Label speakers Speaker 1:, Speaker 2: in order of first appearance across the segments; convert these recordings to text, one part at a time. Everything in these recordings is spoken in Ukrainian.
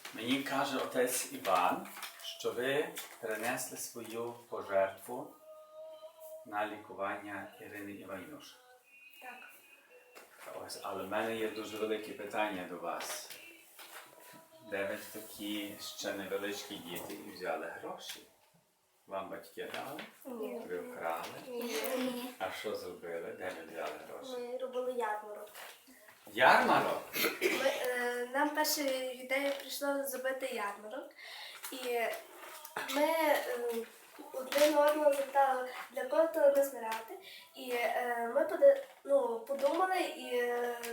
Speaker 1: Мені каже отець Іван, що ви перенесли свою пожертву на лікування Ірини Іванюш.
Speaker 2: Так.
Speaker 1: Ось, але в мене є дуже велике питання до вас. Де ви такі ще невеличкі діти і взяли гроші? Вам батьки дали?
Speaker 2: Ні.
Speaker 1: Ви вкрали?
Speaker 2: Ні.
Speaker 1: А що зробили? Де ви взяли гроші?
Speaker 2: Ми робили ярмарок.
Speaker 1: Ярмарок?
Speaker 2: Нам перша ідея прийшла зробити ярмарок. І ми один одного запитали, для кого то назбирати. І ми подумали і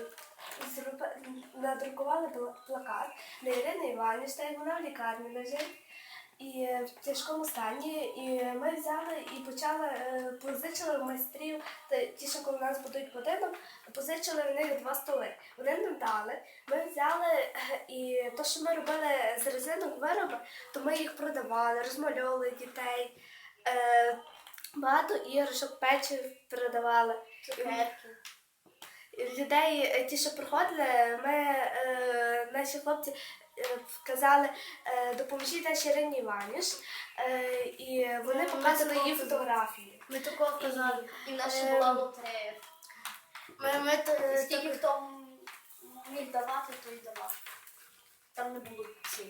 Speaker 2: надрукували плакат для Ірини Іванівни, так як вона в лікарні лежить. І в тяжкому стані, і ми взяли і позичили в майстрів, ті, що коли нас будують будинок, позичили в них 2 столи. Вони нам дали, ми взяли, і те, що ми робили з резинок вироби, то ми їх продавали, розмальовували дітей, багато іграшок, печив продавали. Людей, ті, що приходили, наші хлопці казали, допоможіть нашій Ірині Іванівні, і вони показували її фотографії.
Speaker 3: Ми такого казали.
Speaker 2: І в нас ще була
Speaker 3: лотерея. Скільки хто міг давати, то й давав. Там не було цін.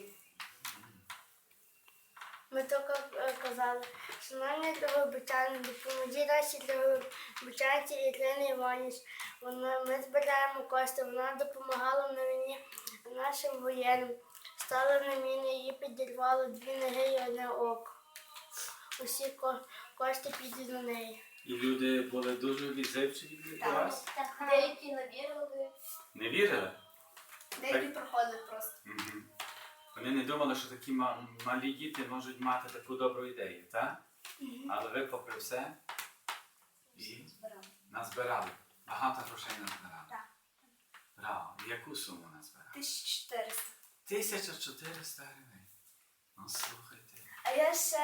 Speaker 3: Ми тільки казали, що нам не для вибачання, допоможіть нашій для вибачанці Ірини Іванівні. Ми збираємо кошти, вона допомагала на війні нашим воєнним. Стали на міни, її підірвало 2 ноги і 1 око. Усі кошти підуть на неї.
Speaker 1: І люди були дуже відзивчиві до вас?
Speaker 3: Так. Деякі не вірили.
Speaker 1: Не вірили?
Speaker 2: Деякі проходили просто.
Speaker 1: Угу. Вони не думали, що такі малі діти можуть мати таку добру ідею, так? Але ви попри все і назбирали. Багато грошей назбирали.
Speaker 2: Так.
Speaker 1: Браво. Яку суму назбирали?
Speaker 2: 1400.
Speaker 1: 1400 гривень. Ну, слухайте.
Speaker 2: А я ще,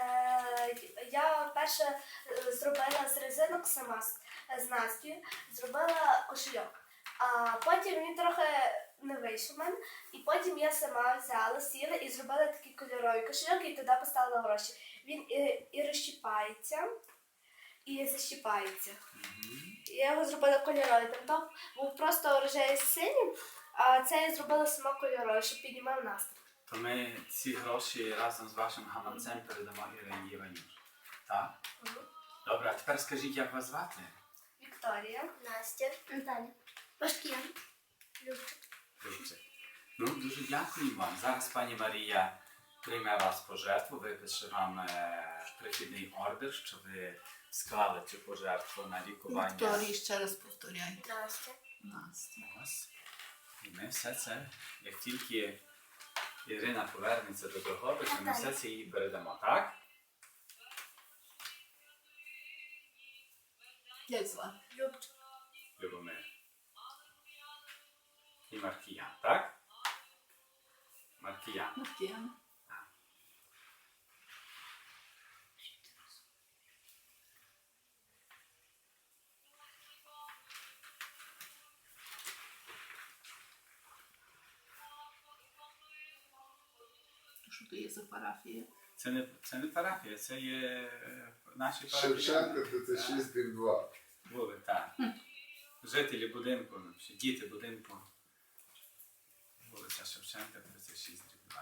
Speaker 2: я перше зробила з резинок сама з Настю, зробила кошельок. А потім він трохи не вийшов в мене, і потім я сама взяла, сіла і зробила такий кольоровий кошельок, і туди поставила гроші. Він і розщіпається, і защіпається. Я його зробила кольоровий, там був просто рожевий з синім, а це я зробила сама кольоровий, щоб піднімав настрій.
Speaker 1: То ми ці гроші разом з вашим гаманцем передамо Ірині Іванюш. Так? Добре, а тепер скажіть, як вас звати?
Speaker 2: Вікторія.
Speaker 3: Настя. Наталя. Пашкіян.
Speaker 1: Любчик. Ну, дуже дякую вам. Зараз пані Марія прийме вас пожертву, випише вам прихідний ордер, що ви склали цю пожертву на лікування.
Speaker 4: Вікторії, ще раз повторяй.
Speaker 3: Настя.
Speaker 4: Настя.
Speaker 1: Ось. І ми все це, як тільки Ірина повернеться до Дрогобича, ми все це їй передамо, так?
Speaker 4: Як звати?
Speaker 2: Любчик.
Speaker 1: Любомир. І Маркіян, так? Маркіян.
Speaker 4: Маркіян. Що то є за парафія?
Speaker 1: Це не парафія, це є наші
Speaker 5: Шевченка
Speaker 1: парафіяни.
Speaker 5: 36/2.
Speaker 1: Були, так. Жителі будинку, діти будинку. Вулиця Шевченка, 36/2.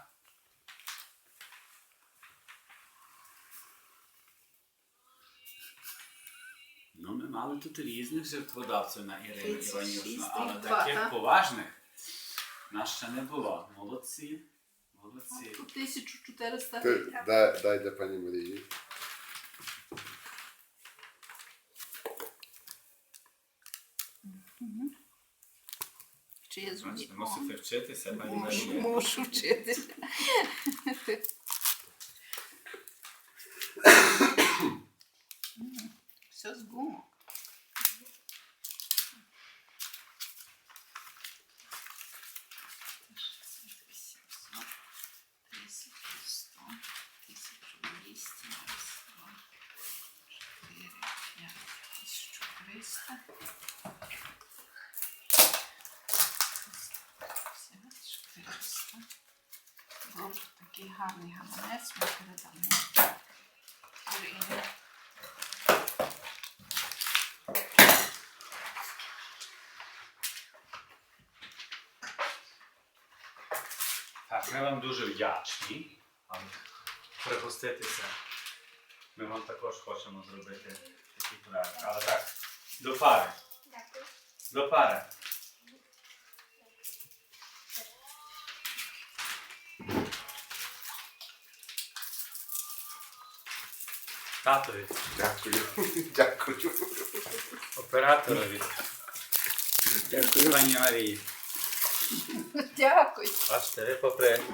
Speaker 1: Ну, ми мали тут різних жертводавців на Ірину Іванюшну, але
Speaker 4: 36/2,
Speaker 1: таких
Speaker 4: так?
Speaker 1: поважних нас ще не було. Молодці. Молодці.
Speaker 4: 1400
Speaker 5: Ти
Speaker 4: гривень.
Speaker 5: дай для пані Марії.
Speaker 4: Чи я
Speaker 1: Бачите,
Speaker 4: зрозуміла?
Speaker 1: мусите вчитися, пані Марія.
Speaker 4: Мушу вчитися. Все з гумок. Добре, такий гарний гаманець ми передамо. Ірині.
Speaker 1: Так, ми вам дуже вдячні. Але пригоститися. Ми вам також хочемо зробити такий проект. Але так, до пари.
Speaker 2: Дякую.
Speaker 1: До пари. Татові,
Speaker 5: Дякую. Дякую.
Speaker 1: операторові,
Speaker 5: Дякую.
Speaker 1: пані Марії.
Speaker 4: Дякую.
Speaker 1: Бачите, ви попри